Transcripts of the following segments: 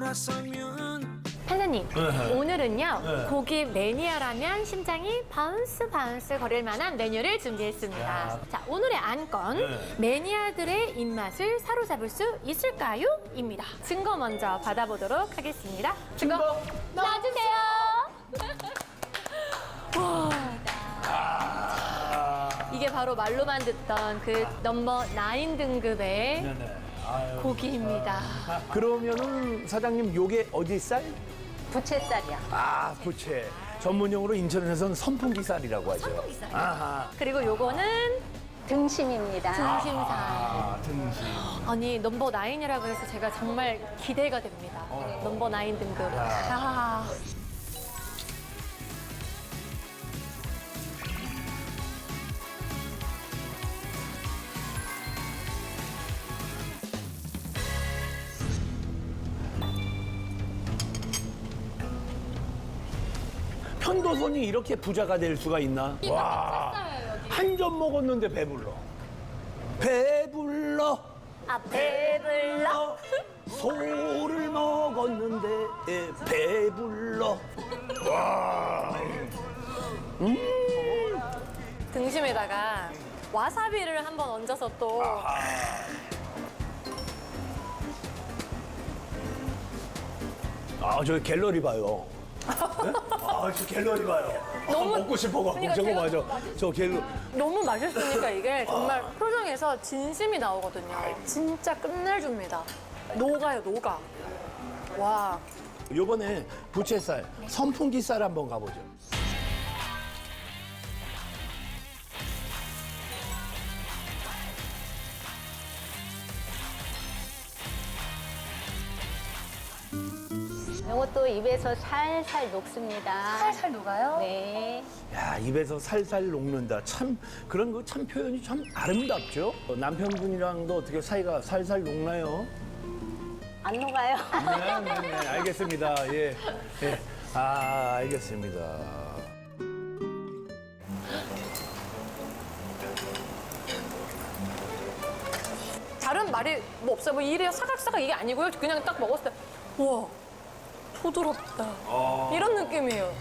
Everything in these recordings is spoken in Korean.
돌아서면 판사님, 네. 오늘은요 네. 고기 매니아라면 심장이 바운스 거릴 만한 메뉴를 준비했습니다. 야. 자, 오늘의 안건 네. 매니아들의 입맛을 사로잡을 수 있을까요? 입니다. 증거 먼저 받아보도록 하겠습니다. 증거 놔주세요. 와, 이게 바로 말로만 듣던 그 넘버 9 등급의 네네. 아유. 고기입니다. 그러면은 사장님 요게 어디 쌀? 부채살이야. 아, 부채. 전문용어로 인천에서는 선풍기 쌀이라고 하죠. 선풍기 쌀. 아하. 그리고 요거는 등심입니다. 등심살. 아, 등심. 아니 넘버 9이라고 해서 제가 정말 기대가 됩니다. 넘버 9 등급. 아. 편도선이 이렇게 부자가 될 수가 있나? 와. 한 점 먹었는데 배불러. 배불러. 아, 배불러. 소를 먹었는데 배불러. 와. 등심에다가 와사비를 한번 얹어서 또 아, 저 갤러리 봐요. 네? 아, 저 갤러리 봐요. 너무- 먹고 싶어갖고 그러니까 저거 제가- 맞아. 저 갤러. 너무 맛있으니까 이게 정말 표정에서 진심이 나오거든요. 진짜 끝내줍니다. 녹아요, 녹아. 와. 요번에 부채살, 선풍기 쌀 한번 가보죠. 이것도 입에서 살살 녹습니다. 살살 녹아요? 네. 야, 입에서 살살 녹는다. 참 그런 거 참 표현이 참 아름답죠. 남편분이랑도 어떻게 사이가 살살 녹나요? 안 녹아요. 네, 알겠습니다. 예, 예. 아, 알겠습니다. 다른 말이 뭐 없어요. 뭐 이래요. 사각사각 이게 아니고요. 그냥 딱 먹었을 때 우와, 부드럽다. 이런 느낌이에요.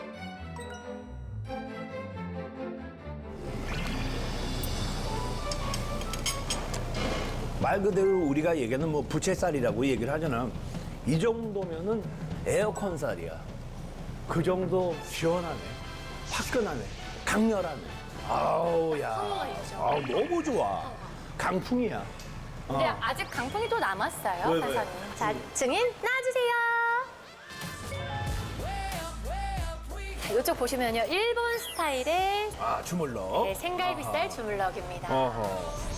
말 그대로 우리가 얘기하는 뭐 부채살이라고 얘기를 하잖아. 이 정도면은 에어컨 쌀이야. 그 정도 시원하네, 화끈하네, 강렬하네. 아우, 야. 아우, 너무 좋아. 강풍이야. 근데 아직 강풍이 또 남았어요, 왜? 판사님. 자, 증인 나와주세요. 자, 이쪽 보시면요. 일본 스타일의 아, 주물럭. 네, 생갈비살 주물럭입니다. 어허.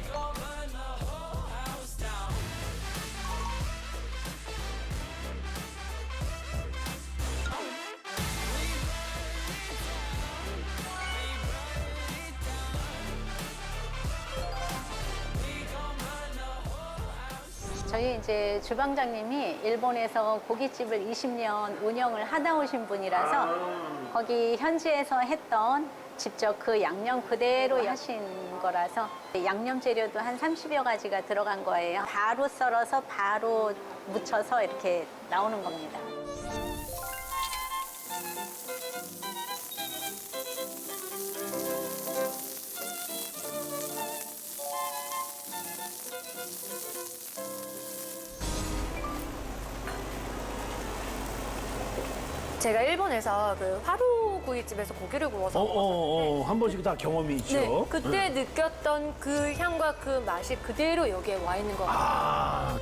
저희 이제 주방장님이 일본에서 고깃집을 20년 운영을 하다 오신 분이라서 거기 현지에서 했던 직접 그 양념 그대로 하신 거라서 양념 재료도 한 30여 가지가 들어간 거예요. 바로 썰어서 바로 묻혀서 이렇게 나오는 겁니다. 제가 일본에서 그 화로구이집에서 고기를 구워서 한 번씩 다 경험이 있죠. 네, 그때 느꼈던 그 향과 그 맛이 그대로 여기에 와 있는 것 같아요. 아.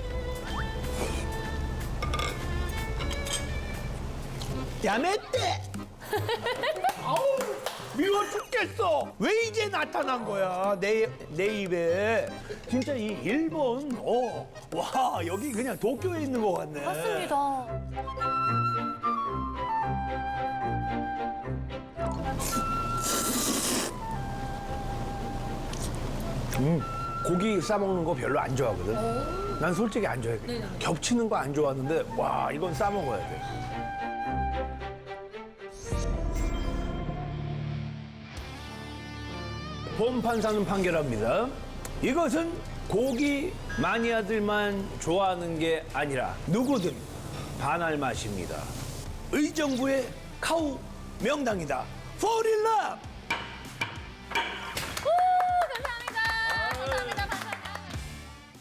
야매떼! 아우, 미워 죽겠어! 왜 이제 나타난 거야, 내 입에. 진짜 이 일본, 와, 여기 그냥 도쿄에 있는 것 같네. 맞습니다. 고기 싸먹는 거 별로 안 좋아하거든. 난 솔직히 안 좋아해. 겹치는 거 안 좋아하는데, 와, 이건 싸먹어야 돼. 본판사는 판결합니다. 이것은 고기 마니아들만 좋아하는 게 아니라 누구든 반할 맛입니다. 의정부의 카우 명당이다. Fall in love!